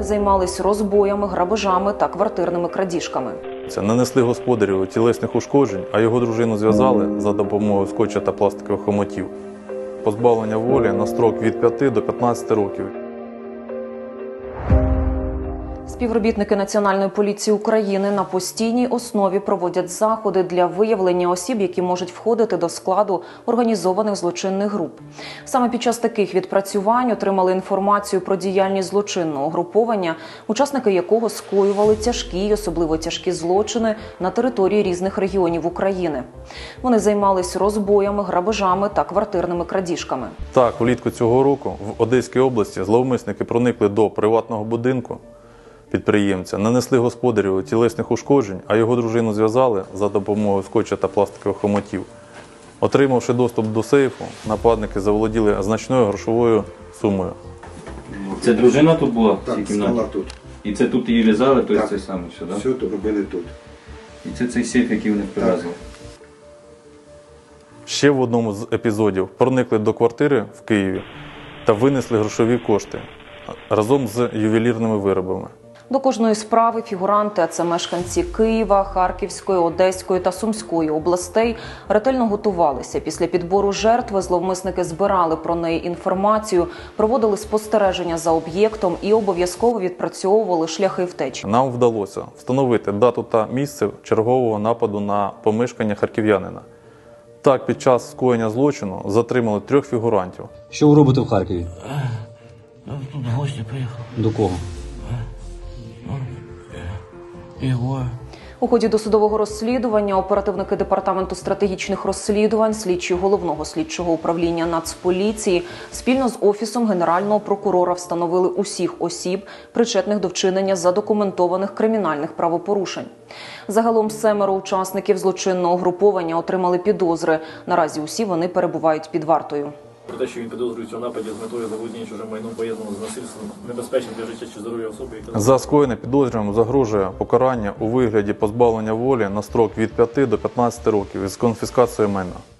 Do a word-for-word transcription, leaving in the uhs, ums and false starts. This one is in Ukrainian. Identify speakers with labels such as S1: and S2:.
S1: займались розбоями, грабежами та квартирними крадіжками.
S2: Нанесли господарю тілесних ушкоджень, а його дружину зв'язали за допомогою скотча та пластикових хомотів. Позбавлення волі на строк від п'яти до п'ятнадцяти років.
S1: Співробітники Національної поліції України на постійній основі проводять заходи для виявлення осіб, які можуть входити до складу організованих злочинних груп. Саме під час таких відпрацювань отримали інформацію про діяльність злочинного угруповання, учасники якого скоювали тяжкі й особливо тяжкі злочини на території різних регіонів України. Вони займались розбоями, грабежами та квартирними крадіжками.
S2: Так, влітку цього року в Одеській області зловмисники проникли до приватного будинку підприємця, нанесли господарю тілесних ушкоджень, а його дружину зв'язали за допомогою скотча та пластикових хомотів. Отримавши доступ до сейфу, нападники заволоділи значною грошовою сумою.
S3: Це дружина тут була в цій
S4: Так,
S3: кімнаті?
S4: спала тут.
S3: І це тут її лізали, то
S4: Так.
S3: це саме все, так?
S4: Все то робили тут.
S3: І це цей сейф, який вони привезли?
S2: Ще в одному з епізодів проникли до квартири в Києві та винесли грошові кошти разом з ювелірними виробами.
S1: До кожної справи фігуранти, а це мешканці Києва, Харківської, Одеської та Сумської областей, ретельно готувалися. Після підбору жертви зловмисники збирали про неї інформацію, проводили спостереження за об'єктом і обов'язково відпрацьовували шляхи втечі.
S2: Нам вдалося встановити дату та місце чергового нападу на помешкання харків'янина. Так, під час скоєння злочину затримали трьох фігурантів.
S5: Що ви робите в Харкові?
S6: Тут в гості приїхав.
S5: До кого?
S6: Його.
S1: У ході досудового розслідування оперативники Департаменту стратегічних розслідувань, слідчі Головного слідчого управління Нацполіції спільно з Офісом Генерального прокурора встановили усіх осіб, причетних до вчинення задокументованих кримінальних правопорушень. Загалом семеро учасників злочинного угруповання отримали підозри. Наразі усі вони перебувають під вартою.
S7: Про те, що він підозрюється у нападі з метою заволодіння чужим майном, пов'язаного з насильством, небезпечним для життя чи здоров'я особи, яка...
S2: За скоєне підозрюваним загрожує покарання у вигляді позбавлення волі на строк від п'яти до п'ятнадцяти років із конфіскацією майна.